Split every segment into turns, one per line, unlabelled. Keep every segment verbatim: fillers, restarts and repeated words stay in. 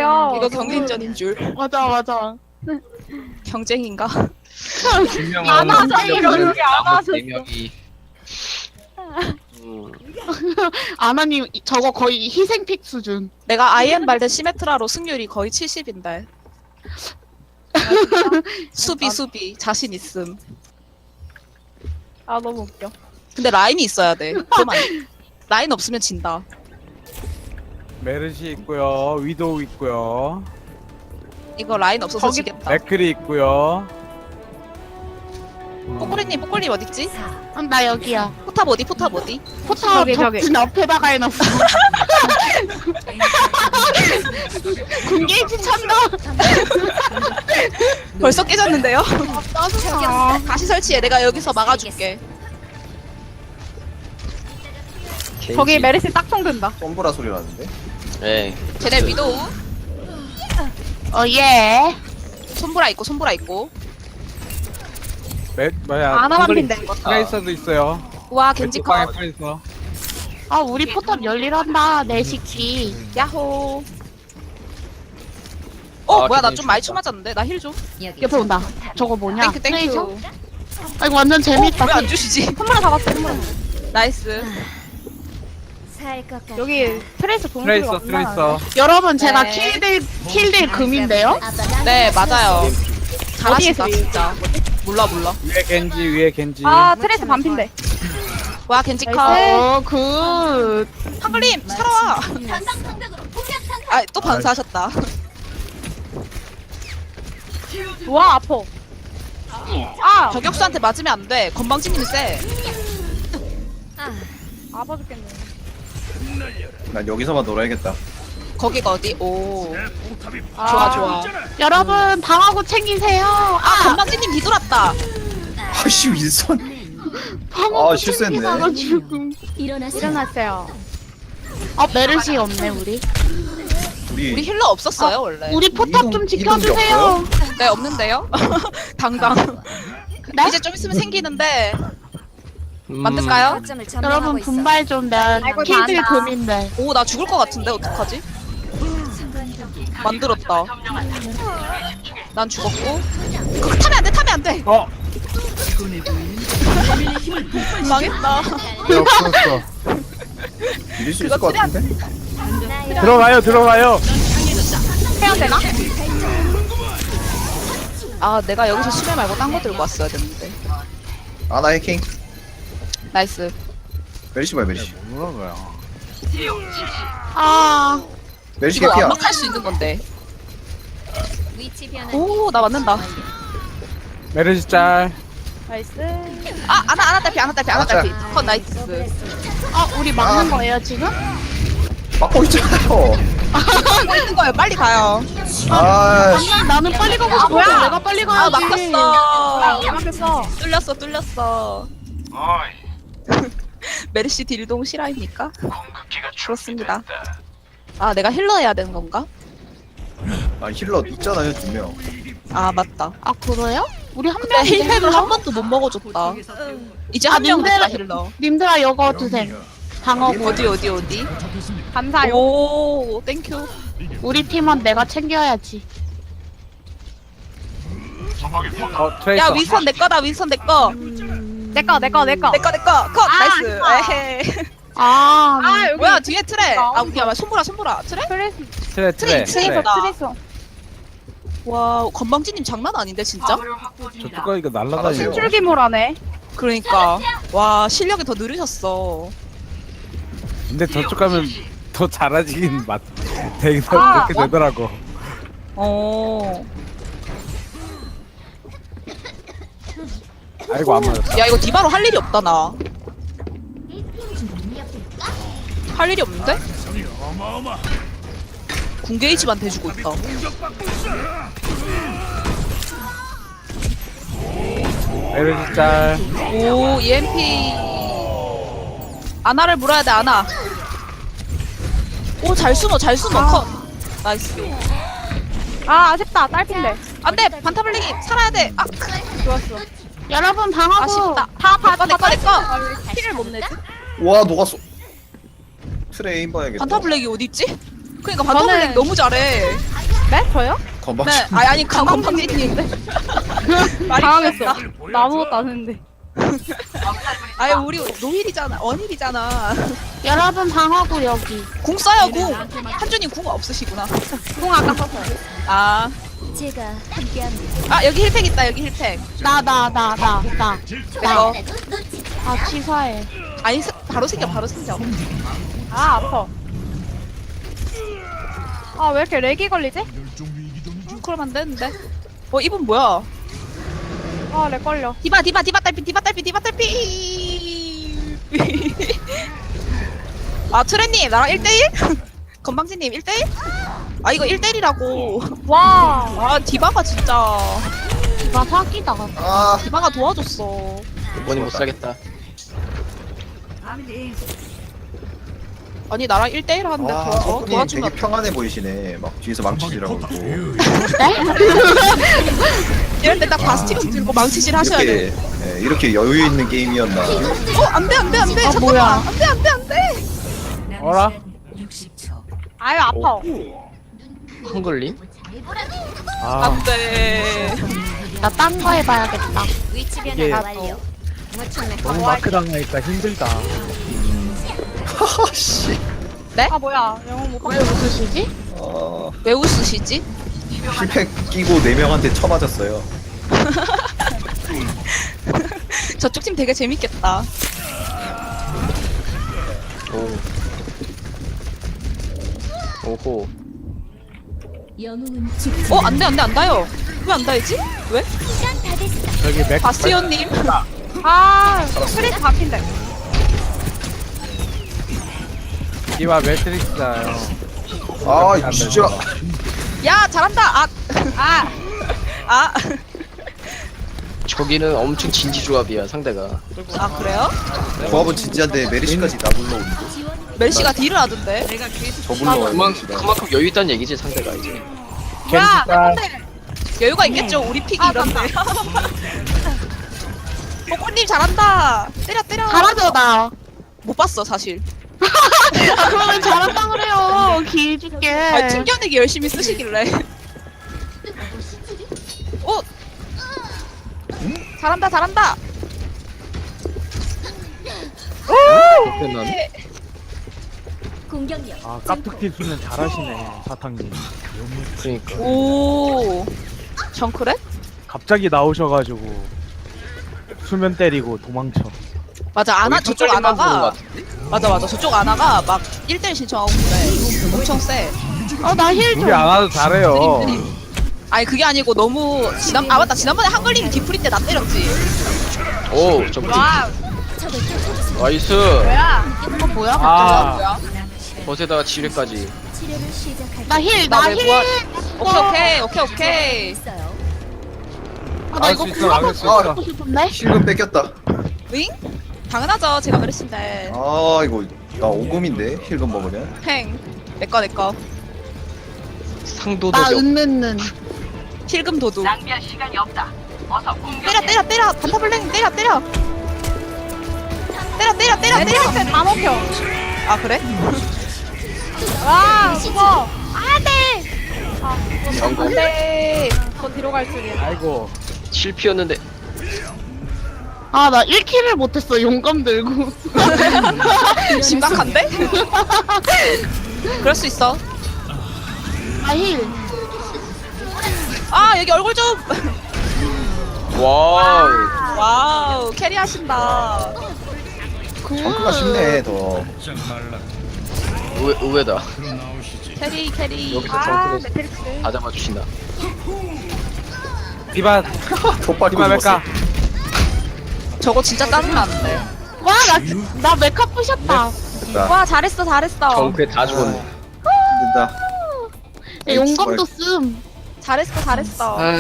돼요.
이거 경쟁전인 줄.
맞아 맞아.
경쟁인가?
분명한
안 하자, 이거 여기 안 하셨어.
네 명이
아나님 이- 저거 거의 희생픽 수준.
내가 아이엠 발대 시메트라로 승률이 거의 칠십인데. 수비 수비 자신 있음.
아 너무 웃겨.
근데 라인이 있어야 돼. 그만. 라인 없으면 진다.
메르시 있고요, 위도우 있고요,
이거 라인 없어서
거기-
지겠다.
맥크리 있고요.
뽀꼬리님 뽀꼬리님 어딨지?
음, 나 여기야.
포탑 어디 포탑 어디?
포탑
저기, 저기.
벽진 앞에다가 해놨어. 군게이지 찬다.
벌써 깨졌는데요?
짜증나.
다시 설치해. 내가 여기서 막아줄게.
저기 메르시 딱총 든다.
솜브라 소리 나는데?
네.
쟤네 위도우.
어 예.
손보라 있고 손보라 있고.
메 뭐야?
아나만
잉글리-
핀데 이거.
트레이서도 있어요.
와 겐지
왼쪽 방에
컷.
트레이서.
아 우리 포탑 열일한다 내 식기.
야호. 어
아,
뭐야 나
굉장히
좀 많이
좋다.
쳐맞았는데. 나 힐 줘.
옆에 온다. 저거 뭐냐?
땡큐
트레이서?
땡큐.
아 이거 완전 재밌다.
왜 안 주시지?
선물을 잡았어. 선물.
나이스.
여기 트레이서 동물이
트레이서, 트레이서.
여러분 제가
네.
킬딜 킬딜 금인데요?
네 맞아요. 잘하신다
어디에서
진짜. 몰라 몰라.
위에 겐지, 위에 겐지.
아 트레이서 반핀데.
와 겐지 컷.
어 굿.
한글님 살아와. 아또 반사하셨다.
와 아파. 아
저격수한테 맞으면 안 돼. 건방지님이 세.
아파 죽겠네.
난 여기서만 놀아야겠다.
거기가 어디? 오.
아,
좋아 좋아.
여러분 방하고 챙기세요.
아
아
건방지님 뒤돌았다.
아씨 윈선.
방하고
아, 실수했네.
챙기다가 죽음.
일어났어요.
어 메르시 없네 우리.
우리,
우리 힐러 없었어요 원래.
우리 포탑 좀
이동-
지켜주세요.
네 없는데요. 당당.
네?
이제 좀 있으면 생기는데 만들까요?
여러분 분발 좀면
아이고,
킬딜
잘한다.
금인데.
오 나 죽을 것 같은데 어떡하지? 만들었다. 난 죽었고. 그거 타면 안 돼, 타면 안 돼.
어,
망했다.
네, 없었어.
이길 수 있을 것 같은데?
들어가요, 들어가요.
해야 되나?
아 내가 여기서 수레 말고 딴 거 들고 왔어야 됐는데.
아나 해킹.
나이스.
메리시 봐요 메리시.
뭐라는 거야?
아
메리시
이거
개피야.
완막할 수 있는 건데. 오 나 맞는다.
메르시 짤.
나이스.
아 아나 아나 딸피 아나 딸피 아나
아,
딸피. 컷 나이스.
아, 우리 막는
아.
거예요 지금?
막고 있잖아요.
하고 있는 거예요. 빨리 가요.
아 씨.
아니 나는 빨리 가고 싶어.
뭐야?
내가 빨리
아
가야지.
막혔어.
막혔어.
뚫렸어 뚫렸어. 메르시 딜동 실화입니까? 그렇습니다. 아 내가 힐러 해야 되는 건가?
아 힐러 있잖아요 두 명.
아 맞다.
아 그래요? 우리 한
근데
명.
힐팩을 한 번도 못 먹어줬다. 이제
아,
한 명 됐다
님들-
힐러.
님들아 이거 드셈. 방어.
어디 어디 어디?
감사요.
오 땡큐.
우리 팀은 내가 챙겨야지.
어, 트레이서.
야 윈선 내 거다 윈선 내 거.
내꺼 내꺼 내꺼.
내 거 내 거. 컷
아,
나이스.
좋아.
에헤.
아,
아 여기
뭐야 뒤에 트레.
아,
아 우리야 손보라 손보라 트레?
트레이서
트레, 트레,
트레,
트레.
트레이서다.
트레이서.
와 건방지님 장난 아닌데 진짜?
저쪽 가 이거
알았어요.
날라다녀.
신줄기모라네.
그러니까 와 실력이 더 느리셨어.
근데 저쪽 가면 더 잘하지긴 맞. 되게
아,
그렇게 되더라고.
어.
아이고 안 맞았다.
야 이거 디바로 할 일이 없다 나. 할 일이 없는데? 궁게이지만 대주고 있다.
메르시 짤.
오 이엠피. 아나를 물어야 돼 아나. 오 잘 숨어 잘 숨어 컷. 나이스.
아 아쉽다. 딸핀데.
안돼 반타블링이 살아야 돼. 아
좋았어.
여러분 방하고.
아쉽다. 다다 내꺼 내꺼.
피를 못 내지?
와 녹았어. 트레인 봐야겠다.
반타블랙이 어디 있지? 그러니까 반타블랙
저는-
너무 잘해.
네? 저요?
건방.
네, 아니 아니 건방진인데. 말이
당황했어.
귀엽다.
나 아무것도 안 했는데.
아니 우리 노힐이잖아, 원힐이잖아.
여러분 방어구 여기.
궁 써요 궁. 한준이 궁 없으시구나.
공 아까 썼어요.
아,
제가 함께합니다.
아 여기 힐팩 있다 여기 힐팩.
나 나 나 나 나.
내거.
아 치사해.
아니 스- 바로 생겨 바로 생겨.
아 아파. 아 왜 이렇게 렉이 걸리지?
음, 그럼 안 되는데. 어 이분 뭐야?
아 렉 걸려.
디바 디바 디바 딸피 디바 딸피 디바 딸피. 아 트레님 나랑 일 대일? 건방지님 일 대일? 아 이거 일 대일이라고.
와.
아 디바가 진짜
나 사기다.
아.
디바가 도와줬어.
이번이 못 사겠다.
아니 나랑 일 대일 하는데
아,
도와, 어,
석훈이 되게
도와주면
평안해 보이시네. 막 뒤에서 망치질하고 있고.
이럴 때 딱 바스티온 들고 망치질 하셔야 돼.
이렇게 예, 이렇게 여유 있는 게임이었나.
어 안돼 안돼 안돼 잠깐만
뭐야.
안돼 안돼 안돼.
어라?
아유 아파.
한글림?
아
안돼.
나 딴 거 해봐야겠다.
위치
이게-
변화 완료. 무청래
너무 마크 당하니까 힘들다.
하하씨.
아 뭐야 영웅 못
왜
봤어.
웃으시지?
어.
왜 웃으시지?
힐팩 끼고 네 명한테 쳐맞았어요.
저쪽 팀 되게 재밌겠다.
오. 오호.
영웅은 죽지.
어 안돼 안돼 안 닿아요. 왜 안 닿지? 왜?
시간 다 됐어.
저기 맥
바스티온님.
아 프리즈 바뀐대.
디바 매트릭스다요.
아 이거 진짜.
야 잘한다. 아 아. 아.
저기는 엄청 진지 조합이야 상대가.
아 그래요?
조합은 진지한데 메리시까지 나 불러오는데.
멜시가 딜을 하던데.
저 불러와요.
그만
메리시가.
그만큼 여유 있다는 얘기지 상대가 이제.
야
겐지가
여유가 있겠죠. 우리 픽이
아,
이런데. 뽀뽀님 잘한다. 때려 때려.
잘하죠 나.
못 봤어 사실.
아, 그러면 잘한다 그래요. 길 줄게.
아, 튕겨내기 열심히 쓰시길래. 오! 잘한다, 잘한다!
끝난.
공격력.
아 깝툭튀 수는 잘하시네 사탕님.
그러니까.
오. 정크렛?
갑자기 나오셔가지고 수면 때리고 도망쳐.
맞아, 아나,
거의
저쪽
깜짝이만 보는 것
아나가.
같은데?
맞아, 맞아. 저쪽 아나가 막 일 대일 신청하고 그래. 엄청 세.
어나 힐 좀.
우리 안 와도 잘해요.
아니, 그게 아니고 너무. 지난, 아, 맞다. 지난번에 한글님 디프리 때 나 때렸지.
오, 저
와
적을 쫓아주세요.
나이스.
뭐야?
이거 뭐야?
아
뭐야?
벗에다가 지뢰까지.
치료를 시작할.
나 힐,
나
나
왜
힐.
뭐야? 오케이, 오케이, 오케이, 오케이.
있어요.
아, 나 이거
알수 있어 알수 있어.
하고 싶은데?
실금 뺏겼다.
윙? 당연하죠. 제가 그랬는데.
아 이거 나 오금인데 힐금 먹으면.
팽. 내꺼, 내꺼.
상도덕이
나
없.
은는는.
힐금 도둑. 낭비할 시간이 없다. 어서 때려, 때려, 때려. 반타블랭 때려, 때려. 때려, 때려, 때려, 때려.
매트릭스 다 먹혀.
아, 그래?
와 죽어. 안돼. 아
영광.
네.
더 뒤로 갈 줄이야.
아이고
실피였는데.
아, 나 일 킬을 못했어, 용감 들고.
심각한데? 그럴 수 있어.
나 힐.
아, 여기 얼굴 좀.
와우.
와우, 캐리하신다.
정크가 쉽네 더.
의외, 의외다.
캐리, 캐리.
여기서
아
정크를
매트릭스.
다 잡아주신다.
디바
덧밟고
디바
죽었어.
맥가.
저거 진짜 짜증나는데.
와, 나, 나 메카 부셨다.
됐다.
와, 잘했어, 잘했어.
정크에 다 죽었네.
된다.
야, 용감도 씀.
잘했어, 잘했어.
아,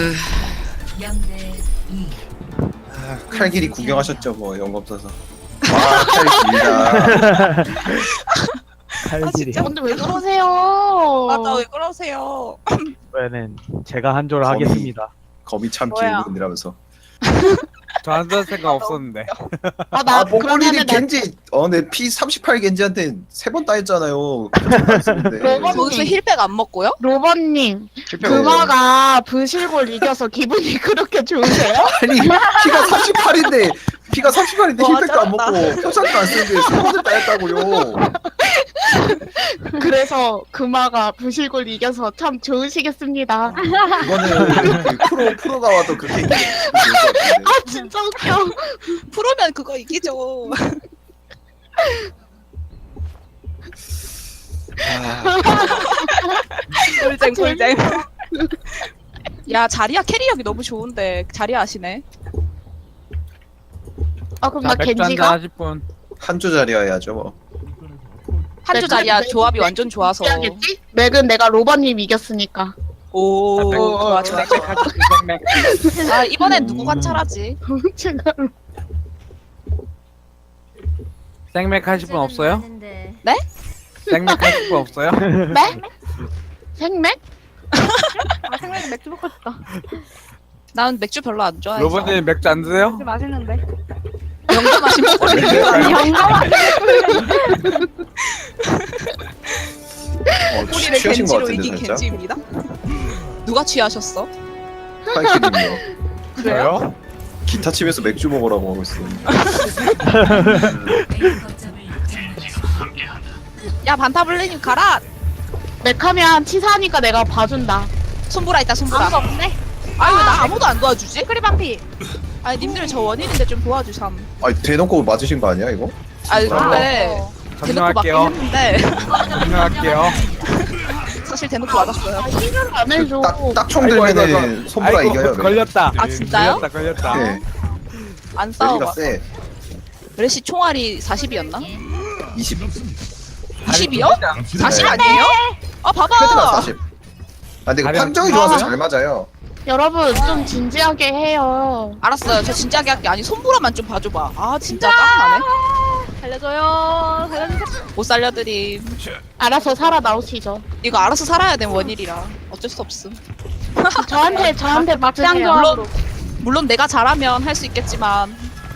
아, 칼길이 구경하셨죠 뭐 영검 써서. 아 칼길이다.
칼질이.
진짜?
근데 왜 그러세요?
맞아, 왜 그러세요?
이번에는 제가 한 조를
거미.
하겠습니다.
검이 참
뭐야?
길군이라면서.
저 앉을 생각 없었는데.
아나
아 몽골인이
그러면은 나
겐지 어내 피 삼십팔 겐지한테 세 번 따였잖아요. 안 쓰는데.
로봇
거기서 힐백 안 먹고요?
로버님
실패가
금화가 부실골 이겨서 기분이 그렇게 좋으세요?
아니 피가 삼십팔인데 피가 삼십팔인데
와,
힐백도 안
잘한다.
먹고 표창도 안 쓰는데 세 번을 따였다고요.
그래서 금화가 부실골 이겨서 참 좋으시겠습니다.
이거는 그 프로 프로가 와도 그렇게 얘기할 것 같은데.
아 진짜 웃겨.
프로면 그거 이기죠. 꿀잼 꿀잼. 야 자리야 캐리력이 너무 좋은데 자리야 아시네.
아 그럼
자,
나
맥주 한잔
겐지가
하실 분.
한조 자리 해야죠 뭐.
한조 자리야 조합이 완전 좋아서.
해야겠지? 맥은 내가 로버님 이겼으니까.
오 좋아 좋아.
맥맥 하실 분, 맥맥.
아 이번엔 누구 관찰하지?
제가
생맥 하실 분 없어요?
많은데.
생맥 하실 분 없어요?
맥? 생맥?
아 생맥 맥주 먹고 싶다.
난 맥주 별로 안 좋아해서.
로버님 맥주 안 드세요?
맥주 맛있는데.
영도 마시면 꼴리는
어, 취-
꼬리를
취하신 것
겐지로
같은데
이긴
살짝.
겐지입니다. 누가 취하셨어?
파이키님요.
그래요?
기타 치면서 맥주 먹으라고 하고 있어요.
야 반타블레님 가라.
맥하면 치사하니까 내가 봐준다.
손보라 있다 손보라.
아무도 없네.
아니 왜 나 아무도 안 도와주지?
크리반피.
아니 님들 저 원인인데 좀 도와주삼.
아니 대놓고 맞으신 거 아니야 이거?
아니
진짜?
근데 대놓고 맞긴
정리할게요.
했는데
정리할게요.
사실 대놓고 맞았어요.
해결을 안 해줘.
딱딱총
아이고, 아이고,
들면은
아이고.
손보라
아이고,
이겨요.
걸렸다.
아 진짜요?
걸렸다 걸렸다.
네.
안
여기가
싸워봐.
세.
레시 총알이 사십이었나?
이십.
이십이요? 사십
네.
아니에요? 아
헤드가
봐봐.
사십. 아 근데 이거
가령-
판정이 좋아서
아.
잘 맞아요.
여러분 좀 진지하게 해요.
알았어요. 저 진지하게 할게. 아니 손보라만 좀 봐줘봐. 아 진짜 짜증나네.
살려줘요. 살려주세요.
못 살려드림.
알아서 살아 나오시죠.
이거 알아서 살아야 된 원일이라 어쩔 수 없음.
저한테 저한테
막장
맞으세요.
조합으로.
물론 내가 잘하면 할 수 있겠지만.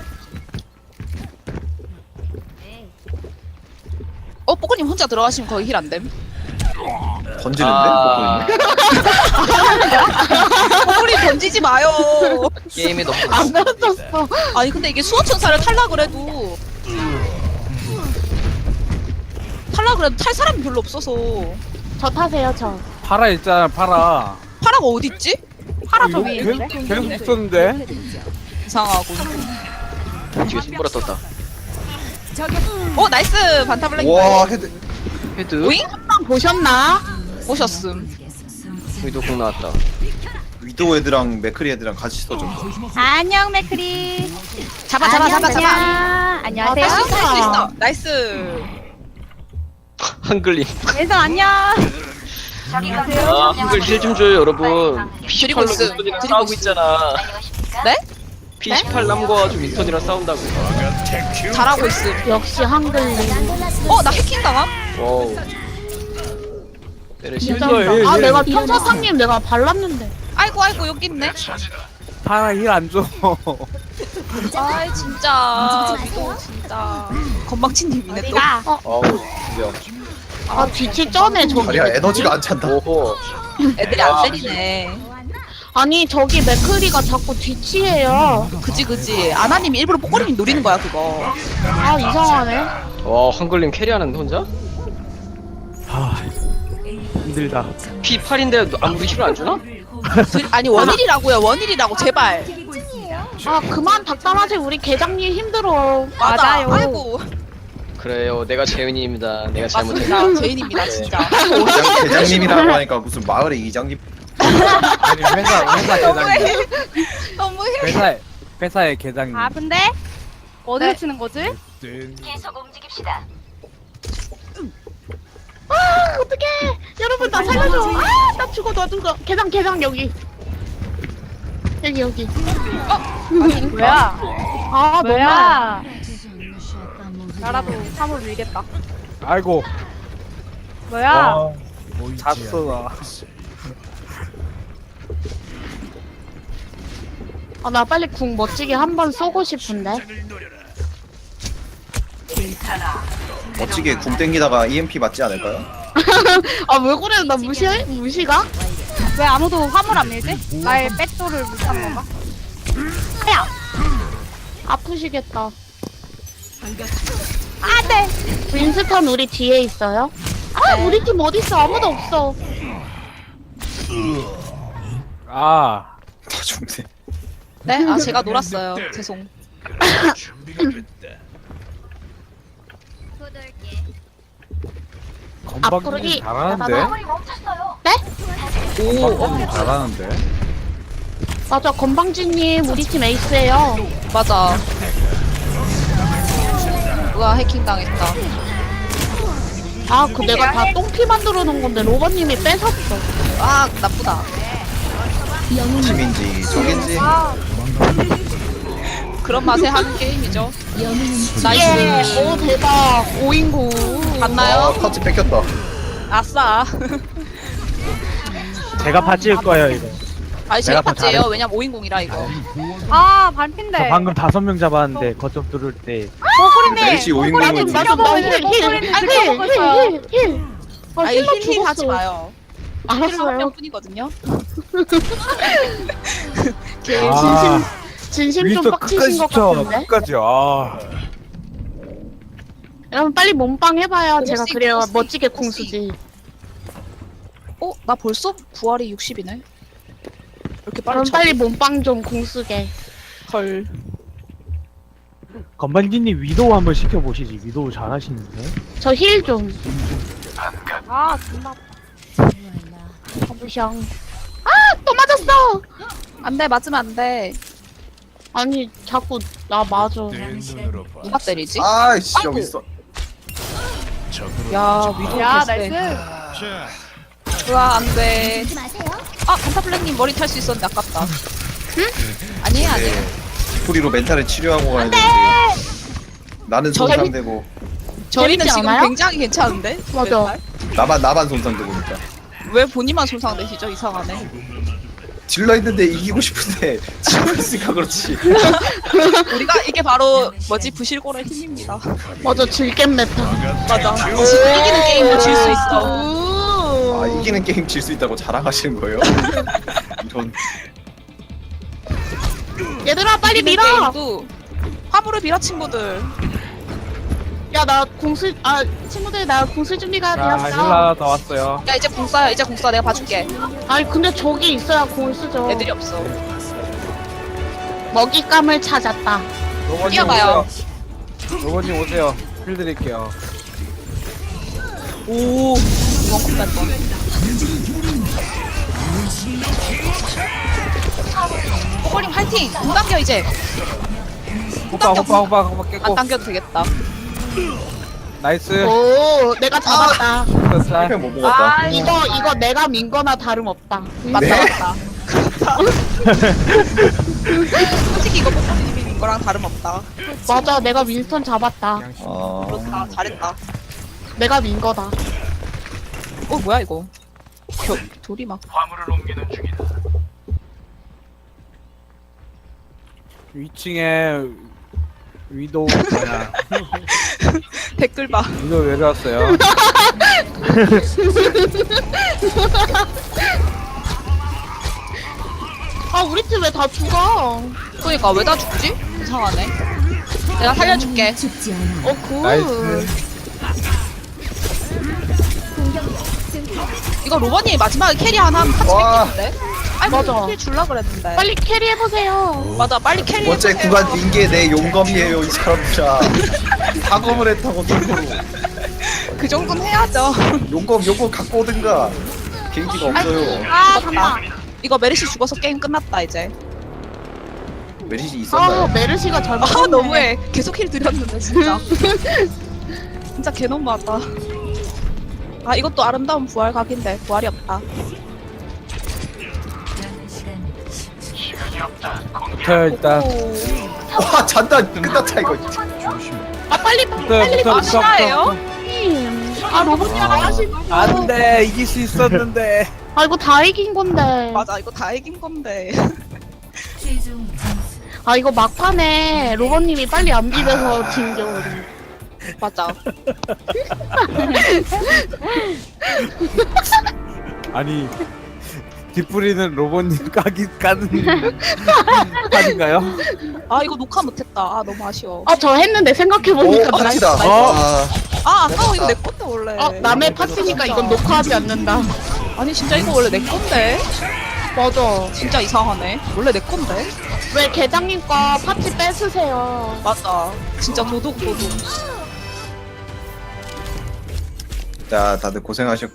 어 뽀꼬님 혼자 들어가시면 거기 힐 안 됨.
던지는데?
아.
뽀꼬님 던지지 마요.
게임이 너무
안 던졌어.
아니 근데 이게 수호천사를 탈락을 해도 탈락을 해도 탈 사람이 별로 없어서.
저 타세요 저.
파라 있잖아 파라.
파라가 어딨지?
파라 저
이거
위에
계속
있는데.
계속 있었는데.
이상하고.
뒤에 손보라 떴다.
어 나이스 반타블랙.
와 헤드.
헤드.
오잉?
한번 보셨나?
오셨음.
위도 공 나왔다.
위도우 애들랑 맥크리 애들랑 같이 써줘.
안녕 맥크리.
잡아 잡아 잡아 잡아.
안녕.
아,
안녕하세요.
할 수 있어 할 수 있어. 나이스.
한글님.
예성 안녕.
아 한글 힐 좀 줘요 여러분.
드리고 있음.
윈턴이랑
드리고
싸우고
있음.
있잖아.
네?
피 십팔 남겨가지고 윈턴이랑 싸운다고.
잘하고 있음.
역시 한글님.
어 나 해킹 당함?
와우. 내려
진짜.
예, 예,
아
예.
내가 천사상님 내가 발랐는데.
아이고 아이고 여기 있네.
파라 힐 안 줘.
아이 진짜 위도 진짜 건방진님이네 또.
우리가
어우 진짜.
아 뒤치 쩌네 저기.
다리야 에너지가 안 찬다.
오호.
애들이 안 때리네.
아니 저기 맥크리가 자꾸 뒤치해요.
그지 그지. 아나님이 일부러 뽀꼬리님 노리는 거야 그거.
아 이상하네.
와 한글님 캐리하는데 혼자?
아 힘들다.
피 팔인데 아무리 힐을 안 주나?
들- 아니 원일이라고요 원일이라고 제발.
아 그만 닥달하지 우리 계장님 힘들어.
맞아.
맞아요.
아이고
그래요 내가 재윤이입니다. 내가 잘못했다.
맞습니다. 제인입니다 진짜.
대장, 대장님이라고 하니까 무슨 마을의 이장님.
아니 회사 회사
너무해.
계장님.
너무해.
회사에 회사의 계장님.
아 근데 어디로
네.
치는 거지?
아 어떡해. 여러분 나 살려줘. 아나 죽어 나 죽어. 계장 계장 여기. 여기 여기.
뭐야?
아 너무.
뭐야? 나라도 삼을 밀겠다.
아이고.
뭐야?
잤어 나.
아, 나 빨리 궁 멋지게 한 번 쏘고 싶은데.
멋지게 궁 땡기다가 이엠피 맞지 않을까요?
아, 왜 그래? 나 무시해? 무시가?
왜 아무도 화물 안 밀지? 나의 백도를 못한 건가?
야! 아프시겠다.
안돼.
윈스턴 우리 뒤에 있어요? 아, 우리 팀 어딨어? 아무도 없어.
아
다 죽네.
네? 아 제가 놀았어요. 죄송.
건방진 잘하는데.
네?
오,
건방진 잘하는데.
맞아, 건방진님 우리 팀 에이스예요.
맞아. 우와, 해킹 당했다.
아, 그 내가 다 똥피 만들어 놓은 건데 로버님이 뺏었어.
아, 나쁘다.
팀인지 적인지.
그런 맛에 하는 게임이죠.
예,
나이스.
오 대박. 오인구.
아,
봤나요?
터치 뺏겼다.
아싸.
제가 바찔 거예요 이거.
아니, 제가
내가 더
봤지예요.
잘해.
왜냐면 오인공이라 이거.
아 반핀데.
저 방금 다섯 명 잡았는데 거점 뚫을 때
보고리님.
멜시
아니,
오인공은
맞아, 나 힐, 힐, 힐,
목소리는
힐,
지켜보고 있어요.
힐, 힐, 힐. 아,
아니,
힐러
힐링 하지
죽었어.
마요. 힐러 한
알았어요.
명뿐이거든요.
진심, 진심 좀
윈스턴
빡치신
끝까지
것
시켜.
같은데?
끝까지. 아.
여러분 빨리 몸빵 해봐요. 제가
그렇지,
그래야
그렇지,
멋지게
그렇지.
궁 쓰지.
어? 나 벌써 부활이 육십이네. 이렇게 빨리
여러분
쳐.
빨리 몸빵 좀 궁 쓰게.
헐.
건반지님 위도우 한번 시켜보시지. 위도우 잘하시는데.
저 힐 좀.
아 존나.
가보샹. 아, 또 맞았어.
안 돼, 맞으면 안 돼.
아니 자꾸 나 맞아.
누가 때리지?
아이씨 여기 있어.
야, 위도우
야
개쎄.
나이스.
우와, 안 돼.
하지 마세요.
아, 간타블랙님 머리 탈 수 있었는데 아깝다. 응? 아니에요, 아니에요.
네. 스토리로 멘탈을 치료하고 가야 되는데. 나는
저희-
손상되고
저희는
재밌지
지금
않아요?
굉장히 괜찮은데?
맞아.
멘탈?
나만 나만 손상되고 있다.
왜 본인만 손상되시죠? 이상하네.
딜러 있는데 이기고 싶은데 지고 있으니까 그렇지.
우리가 이게 바로 뭐지? 부실고의 힘입니다.
맞아, 질겜 메타.
맞아. 이기는 게임도 질 수 있어.
아 이기는 게임 질 수 있다고 자랑하시는 거예요? 이런.
얘들아 빨리
이기는
밀어.
게임도 화물을 밀어 친구들.
야, 나 궁수 아 친구들 나 궁수 준비가
자
되었어.
힐라 다 왔어요.
야, 이제 공 쏴요. 이제 공 쏴. 내가 봐줄게.
아니 근데 저기 있어야 궁을 쓰죠.
애들이 없어.
먹잇감을 찾았다.
로버님
뛰어가요.
오세요. 로버님 오세요. 힐 드릴게요.
오, 이건 컵날 뻔. 호버님 화이팅! 못 당겨 이제.
호빠 호빠 호빠 호빠
안
깼고.
당겨도 되겠다.
나이스.
오, 내가 잡았다.
쌀.
힐팩 못 먹었다.
아
이거 이거 내가 민 거나 다름없다.
맞다
네?
맞다. 그렇다. 솔직히 이거 뽀뽀님이 이거랑 다름없다.
맞아, 내가 윈스턴 잡았다.
아
그렇다. 잘했다.
내가 민 거다.
어 뭐야 이거? 겨, 돌이 막.
위층에 위도우 뭐야?
댓글 봐.
위도우 내려왔어요.
아, 우리 팀 왜 다 죽어?
그러니까 왜 다 죽지? 이상하네. 내가 살려줄게.
죽지 않아.
어, 굿.
나이스.
이거 로버님이 마지막에 캐리 하나 하면 같이
와.
뺏기는데? 아니
맞아.
캐리 줄라 그랬는데.
빨리 캐리해 보세요.
맞아 빨리 캐리.
번째 구간 빈 게 내 용검이에요 이 사람들아. 사검을 했다고 속으로.
그 정도는 해야죠.
용검 용검 갖고 오든가. 개인기가 없어요.
아, 잠깐.
이거 메르시 죽어서 게임 끝났다 이제.
메리시
아,
있었나요?
메르시가 잘못.
아 너무해. 계속 힐 드렸는데 진짜. 진짜 개 너무하다. 아 이것도 아름다운 부활 각인데 부활이 없다.
붙어요 일단.
와 잔다 끝났다 이거.
아, 빨리
붙어요
빨리
붙어
아
붙어.
신화예요?
아, 로봇님 하시고.
안돼 이길 수 있었는데.
아, 이거 다 이긴 건데.
맞아 이거 다 이긴 건데.
최종 점수
아 이거 막판에 로버님이 빨리 안 비벼서 진겨 우리.
맞아.
아니 뒷부리는 로봇님 까기 까는 판인가요?
아 이거 녹화 못했다. 아 너무 아쉬워.
어 저 했는데
오
생각해보니까
파티다.
나-
어?
아,
아 아까워 이거 내 건데 원래.
어 남의 파티니까 이건 녹화하지 않는다.
아니 진짜 이거 원래 내 건데.
맞아.
진짜 이상하네. 원래 내 건데.
왜 계장님 거 파티 뺏으세요?
맞아. 진짜 도둑 도둑.
자 다들 고생하셨고.